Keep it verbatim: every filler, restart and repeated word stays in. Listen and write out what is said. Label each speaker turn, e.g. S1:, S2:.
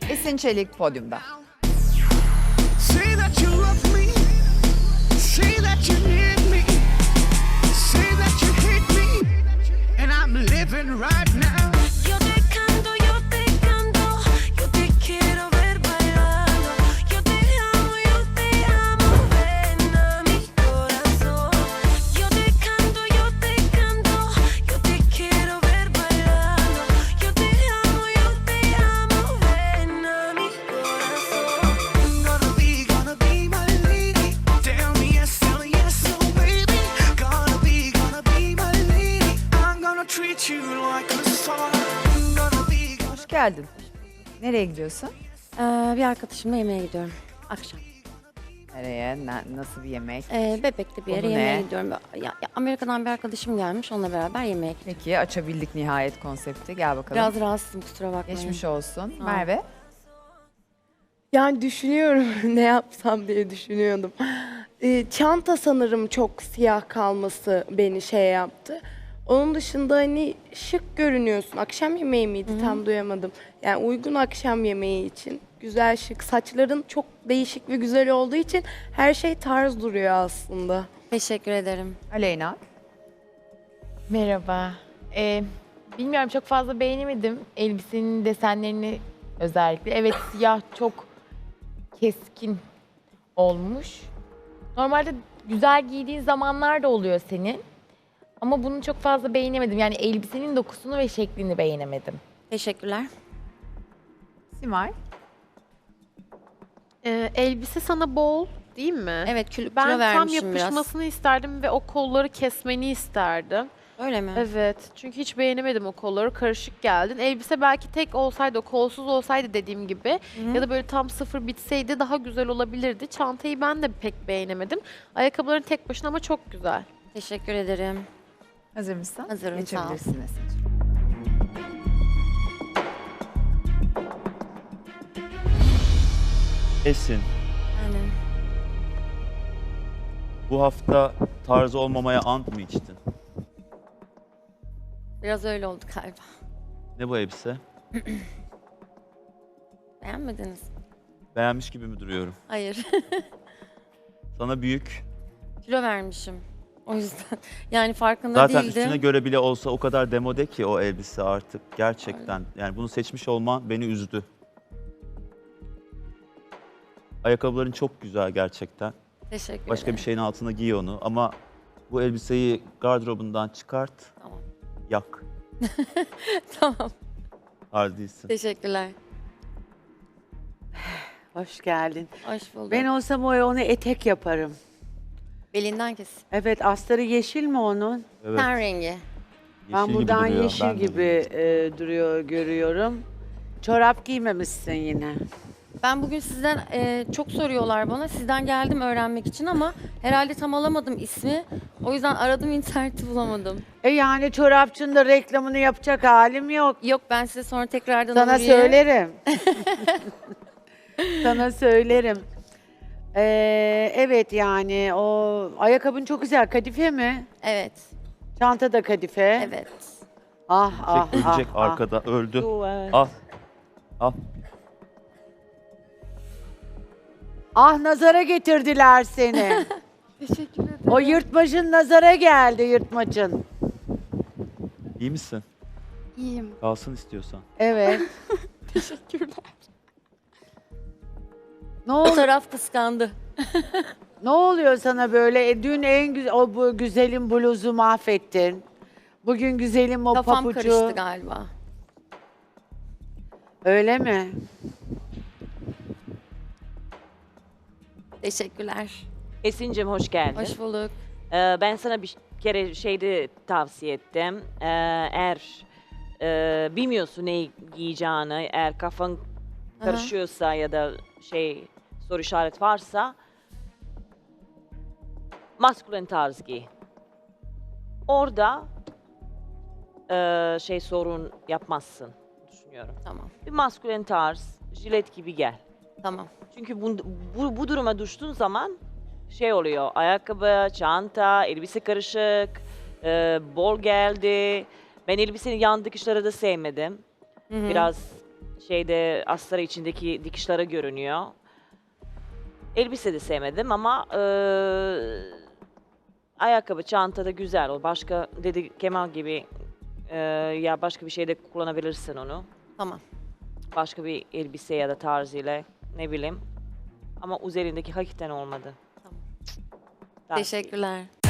S1: Esin Çelik podyumda.
S2: Say that you love me. Say that you need me. Say that you hate me. And I'm living right now.
S3: Yo te canto, yo te canto, yo te quiero ver bailando. Yo te amo, yo te amo, ven a mi corazón. Yo te canto, yo te canto, yo te quiero ver bailando. Yo te amo, yo te amo, ven a mi corazón.
S2: Gonna be, gonna be my lady. Tell me yes, tell me yes, oh baby. Gonna be, gonna be my lady. I'm gonna treat you like a star. Gonna be, gonna
S1: Hoş geldin. Nereye gidiyorsun?
S4: Ee, bir arkadaşımla yemeğe gidiyorum akşam.
S1: Nereye? Na- nasıl bir yemek?
S4: Ee, Bebek'te bir yere
S1: Konu
S4: yemeğe
S1: ne?
S4: gidiyorum. Ya, ya Amerika'dan bir arkadaşım gelmiş, onunla beraber yemeğe gidiyorum.
S1: Peki açabildik nihayet konsepti. Gel bakalım.
S4: Biraz rahatsızım, kusura bakmayın.
S1: Geçmiş olsun.
S4: Sağ ol.
S1: Merve.
S5: Yani düşünüyorum ne yapsam diye düşünüyordum. Ee, çanta sanırım çok siyah kalması beni şey yaptı. Onun dışında hani şık görünüyorsun. Akşam yemeği miydi tam duyamadım. Yani uygun akşam yemeği için. Güzel şık. Saçların çok değişik ve güzel olduğu için her şey tarz duruyor aslında.
S4: Teşekkür ederim.
S1: Aleyna.
S6: Merhaba. Ee, bilmiyorum, çok fazla beğenemedim elbisenin desenlerini özellikle. Evet, siyah çok keskin olmuş. Normalde güzel giydiğin zamanlar da oluyor senin. Ama bunu çok fazla beğenemedim. Yani elbisenin dokusunu ve şeklini beğenemedim.
S4: Teşekkürler.
S1: Simay.
S7: Ee, elbise sana bol değil mi?
S4: Evet, kilo,
S7: Ben
S4: kilo
S7: tam
S4: vermişim
S7: yapışmasını isterdim ve o kolları kesmeni isterdim.
S4: biraz. Öyle mi?
S7: Evet. Çünkü hiç beğenemedim o kolları. Karışık geldin. Elbise belki tek olsaydı, o kolsuz olsaydı dediğim gibi ya da böyle tam sıfır bitseydi daha güzel olabilirdi. Çantayı ben de pek beğenemedim. Ayakkabıların tek başına ama çok güzel.
S4: Teşekkür ederim.
S1: Hazır mısın?
S4: Hazırım, sağ ol.
S1: Geçebilirsin Esin'cim.
S8: Esin,
S4: Aynen.
S8: bu hafta tarzı olmamaya ant mı içtin?
S4: Biraz öyle oldu galiba.
S8: Ne bu elbise?
S4: Beğenmediniz mi?
S8: Beğenmiş gibi mi duruyorum?
S4: Hayır.
S8: Sana büyük.
S4: Kilo vermişim. O yüzden. Yani farkında
S8: Zaten
S4: değildim.
S8: üstüne göre bile olsa o kadar demode ki o elbise artık gerçekten. Yani bunu seçmiş olman beni üzdü. Ayakkabıların çok güzel gerçekten.
S4: Teşekkür
S8: Başka
S4: ederim.
S8: bir şeyin altına giy onu ama bu elbiseyi gardırobundan çıkart,
S4: Tamam.
S8: yak.
S4: Tamam.
S8: Hard değilsin.
S4: Teşekkürler.
S9: Hoş geldin.
S4: Hoş bulduk.
S9: Ben olsam o onu etek yaparım.
S4: Belinden kes.
S9: Evet, astarı yeşil mi onun?
S8: Evet,
S4: Ten rengi.
S8: yeşil
S9: ben
S8: gibi
S9: buradan
S8: duruyor.
S9: yeşil
S8: Ben de
S9: gibi
S8: beğendim.
S9: e, duruyor görüyorum. Çorap giymemişsin yine.
S4: Ben bugün sizden e, çok soruyorlar bana. Sizden geldim öğrenmek için ama herhalde tam alamadım ismi. O yüzden aradım, interneti bulamadım.
S9: E yani çorapçının da reklamını yapacak halim yok.
S4: Yok, ben size sonra tekrardan
S9: Sana
S4: uğrayayım.
S9: söylerim. Sana söylerim. Ee, evet yani o ayakkabın çok güzel. Kadife mi?
S4: Evet.
S9: Çanta da kadife.
S4: Evet.
S9: Ah ah
S8: Ölecek, ölecek
S9: ah, ah.
S8: arkada, öldü.
S9: Duvar.
S8: Al, al.
S9: Ah, nazara getirdiler seni.
S7: Teşekkür ederim.
S9: O yırtmacın nazara geldi, yırtmacın.
S8: İyi misin?
S5: İyiyim.
S8: Kalsın istiyorsan.
S9: Evet.
S5: Teşekkürler.
S9: Ne
S4: O
S9: ol
S4: taraf kıskandı.
S9: ne oluyor sana böyle? E, dün en güzel o bu güzelim bluzu mahvettin. Bugün güzelim o
S4: Kafam
S9: papucu.
S4: karıştı galiba.
S9: Öyle mi?
S4: Teşekkürler.
S10: Esin'cim hoş geldin.
S4: Hoş bulduk.
S10: Ee, ben sana bir kere şeyde tavsiye ettim. Ee, eğer e, bilmiyorsun ne giyeceğini, eğer kafan karışıyorsa ya da şey soru işaret varsa maskülen tarz giy. Orada e, şey sorun yapmazsın düşünüyorum.
S4: Tamam.
S10: Bir maskülen tarz, jilet gibi gel.
S4: Tamam.
S10: Çünkü bu, bu, bu duruma düştüğün zaman şey oluyor, ayakkabı, çanta, elbise karışık, e, bol geldi. Ben elbisenin yan dikişleri de sevmedim.
S4: Hı hı.
S10: Biraz şeyde astarı içindeki dikişleri görünüyor. Elbise de sevmedim ama e, ayakkabı, çanta da güzel. O başka dedi Kemal gibi e, ya başka bir şeyde kullanabilirsin onu.
S4: Tamam.
S10: Başka bir elbise ya da tarzıyla ne bileyim. Ama üzerindeki hakikaten olmadı.
S4: Tamam.
S10: Daha-
S4: Teşekkürler.